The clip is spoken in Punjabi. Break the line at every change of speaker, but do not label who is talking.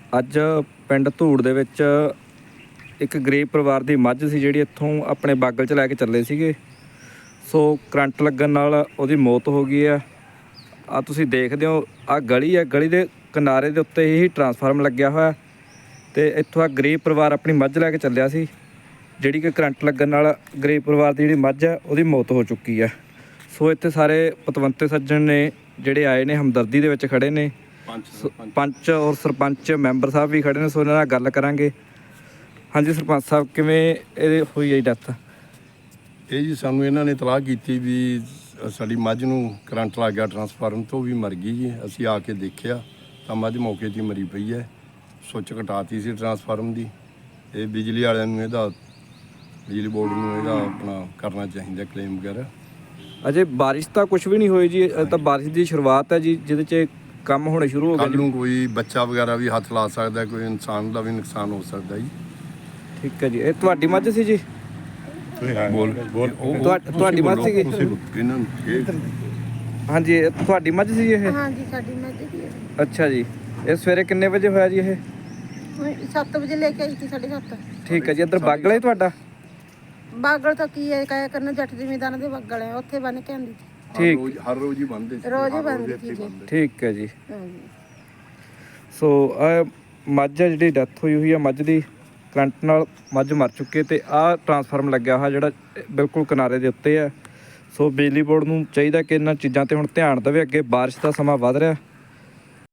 ਅੱਜ ਪਿੰਡ ਧੂੜ ਦੇ ਵਿੱਚ ਇੱਕ ਗਰੀਬ ਪਰਿਵਾਰ ਦੀ ਮੱਝ ਸੀ ਜਿਹੜੀ ਇੱਥੋਂ ਆਪਣੇ ਬਾਗਲ 'ਚ ਲੈ ਕੇ ਚੱਲੇ ਸੀਗੇ। ਸੋ ਕਰੰਟ ਲੱਗਣ ਨਾਲ ਉਹਦੀ ਮੌਤ ਹੋ ਗਈ ਆ। ਆ ਤੁਸੀਂ ਦੇਖਦੇ ਹੋ, ਆ ਗਲੀ ਹੈ, ਗਲੀ ਦੇ ਕਿਨਾਰੇ ਦੇ ਉੱਤੇ ਹੀ ਟਰਾਂਸਫਾਰਮ ਲੱਗਿਆ ਹੋਇਆ ਤੇ ਇੱਥੋਂ ਆ ਗਰੀਬ ਪਰਿਵਾਰ ਆਪਣੀ ਮੱਝ ਲੈ ਕੇ ਚੱਲਿਆ ਸੀ, ਜਿਹੜੀ ਕਿ ਕਰੰਟ ਲੱਗਣ ਨਾਲ ਗਰੀਬ ਪਰਿਵਾਰ ਦੀ ਜਿਹੜੀ ਮੱਝ ਹੈ ਉਹਦੀ ਮੌਤ ਹੋ ਚੁੱਕੀ ਆ। ਸੋ ਇੱਥੇ ਸਾਰੇ ਪਤਵੰਤੇ ਸੱਜਣ ਨੇ ਜਿਹੜੇ ਆਏ ਨੇ, ਹਮਦਰਦੀ ਦੇ ਵਿੱਚ ਖੜੇ ਨੇ। ਪੰਚ ਔਰ ਸਰਪੰਚ ਮੈਂਬਰ ਸਾਹਿਬ ਵੀ ਖੜੇ ਨੇ। ਸੋ ਇਹਨਾਂ ਨਾਲ ਗੱਲ ਕਰਾਂਗੇ। ਹਾਂਜੀ ਸਰਪੰਚ ਸਾਹਿਬ, ਕਿਵੇਂ ਇਹ ਹੋਈ ਹੈ ਡੈਥ?
ਇਹ ਜੀ ਸਾਨੂੰ ਇਹਨਾਂ ਨੇ ਇਤਲਾਹ ਕੀਤੀ ਵੀ ਸਾਡੀ ਮੱਝ ਨੂੰ ਕਰੰਟ ਲੱਗ ਗਿਆ, ਟਰਾਂਸਫਾਰਮ ਤੋਂ ਵੀ ਮਰ ਗਈ ਜੀ। ਅਸੀਂ ਆ ਕੇ ਦੇਖਿਆ ਤਾਂ ਮੱਝ ਮੌਕੇ 'ਤੇ ਹੀ ਮਰੀ ਪਈ ਹੈ। ਸੁੱਚ ਕਟਾਤੀ ਸੀ ਟਰਾਂਸਫਾਰਮ ਦੀ। ਇਹ ਬਿਜਲੀ ਵਾਲਿਆਂ ਨੂੰ ਬਿਜਲੀ ਬੋਰਡ ਨੂੰ ਇਹਦਾ ਆਪਣਾ ਕਰਨਾ ਚਾਹੀਦਾ ਕਲੇਮ ਵਗੈਰਾ।
ਅਜੇ ਬਾਰਿਸ਼ ਤਾਂ ਕੁਝ ਵੀ ਨਹੀਂ ਹੋਈ ਜੀ, ਤਾਂ ਬਾਰਿਸ਼ ਦੀ ਸ਼ੁਰੂਆਤ ਹੈ ਜੀ, ਜਿਹਦੇ 'ਚ ਕੰਮ ਹੋਣੇ ਸ਼ੁਰੂ ਹੋ ਗਏ।
ਕੱਲ੍ਹ ਨੂੰ ਕੋਈ ਬੱਚਾ ਵਗੈਰਾ ਵੀ ਹੱਥ ਲਾ ਸਕਦਾ, ਕੋਈ ਇਨਸਾਨ ਦਾ ਵੀ ਨੁਕਸਾਨ ਹੋ ਸਕਦਾ ਜੀ।
ਠੀਕ ਹੈ ਜੀ। ਇਹ ਤੁਹਾਡੀ ਮੱਝ ਸੀ ਜੀ? ਤੁਹਾਡੀ ਮੱਝ ਸੀਗੀ? ਹਾਂਜੀ, ਇਹ ਤੁਹਾਡੀ ਮੱਝ ਸੀ ਇਹ?
ਹਾਂਜੀ, ਸਾਡੀ ਮੱਝ ਦੀ ਹੈ।
ਅੱਛਾ ਜੀ। ਇਹ ਸਵੇਰੇ ਕਿੰਨੇ ਵਜੇ ਹੋਇਆ ਜੀ ਇਹ?
7 ਵਜੇ ਲੈ ਕੇ ਆਈ ਸੀ, 7:30।
ਠੀਕ ਹੈ ਜੀ। ਇੱਧਰ ਬਾਗਲ ਹੈ ਤੁਹਾਡਾ?
ਬਾਗਲ ਤਾਂ ਕੀ ਹੈ, ਕਹਿਆ ਕਰਨਾ ਜੱਟ ਜ਼ਿਮੀਂਦਾਰਾਂ ਦੇ ਬਾਗਲ ਹੈ, ਉੱਥੇ ਬੰਨ ਕੇ ਆਉਂਦੀ ਸੀ।
ਠੀਕ,
ਹਰ ਰੋਜ਼ ਹੀ ਬੰਨਦੇ ਸੀ,
ਰੋਜ਼ ਹੀ ਬੰਨਦੀ ਸੀ ਜੀ।
ਠੀਕ ਹੈ ਜੀ।
ਹਾਂਜੀ।
ਸੋ ਆ ਮੱਝ ਹੈ ਜਿਹੜੀ ਡੈਥ ਹੋਈ ਹੈ ਮੱਝ ਦੀ, ਕਰੰਟ ਨਾਲ ਮੱਝ ਮਰ ਚੁੱਕੀ ਤੇ ਆਹ ਟਰਾਂਸਫਾਰਮ ਲੱਗਿਆ ਹੋਇਆ ਜਿਹੜਾ ਬਿਲਕੁਲ ਕਿਨਾਰੇ ਦੇ ਉੱਤੇ ਹੈ। ਸੋ ਬਿਜਲੀ ਬੋਰਡ ਨੂੰ ਚਾਹੀਦਾ ਕਿ ਇਹਨਾਂ ਚੀਜ਼ਾਂ ਤੇ ਹੁਣ ਧਿਆਨ ਦੇਵੇ। ਅੱਗੇ ਬਾਰਿਸ਼ ਦਾ ਸਮਾਂ ਵੱਧ ਰਿਹਾ।